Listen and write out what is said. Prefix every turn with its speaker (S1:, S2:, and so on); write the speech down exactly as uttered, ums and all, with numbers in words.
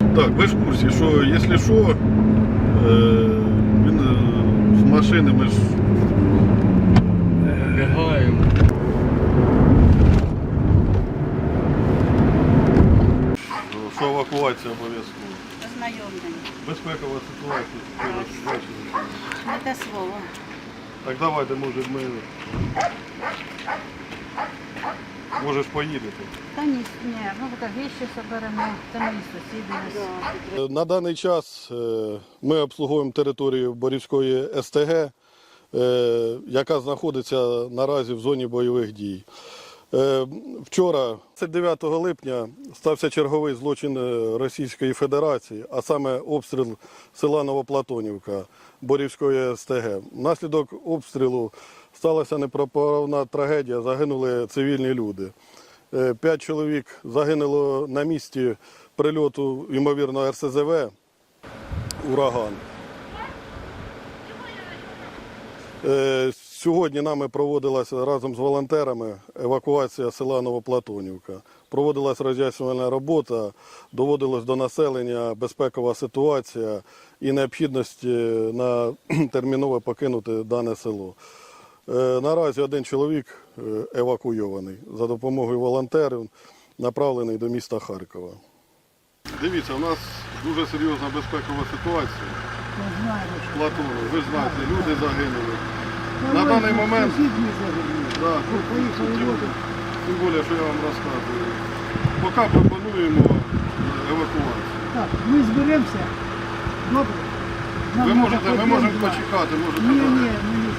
S1: Так, ви ж в курсі, що якщо що, е, він е, з машини ми ж
S2: Бігаємо.
S1: що евакуація обов'язково.
S3: Ознайомлення.
S1: Безпекова ситуація.
S3: Не те слово.
S1: Так давайте, може, ми може ж поїдете.
S3: Та ні, ні, ну так віщі соберемо, це мої сусіди. ось.
S1: На даний час е, ми обслуговуємо територію Борівської ес те ге, е, яка знаходиться наразі в зоні бойових дій. Е, Вчора, двадцять дев'ятого липня, стався черговий злочин е, Російської Федерації, а саме обстріл села Новоплатонівка Борівської ес те ге. Внаслідок обстрілу сталася непоправна трагедія, загинули цивільні люди. Е, П'ять чоловік загинуло на місці прильоту, ймовірно, ер ес зе ве «Ураган». Е, Сьогодні нами проводилася разом з волонтерами евакуація села Новоплатонівка. Проводилась роз'яснювальна робота, доводилась до населення безпекова ситуація і необхідність на терміново покинути дане село. Е, Наразі один чоловік е, евакуйований за допомогою волонтерів, направлений до міста Харкова. Дивіться, у нас дуже серйозна безпекова ситуація. В Платону, ви знаєте, люди загинули. На даний момент, да, тим більше, що я вам розказую, поки пропонуємо евакуацію.
S4: Так, ми зберемося. Добре.
S1: Ви можете, ми можемо почекати, можете.
S4: Ні, ні, ні.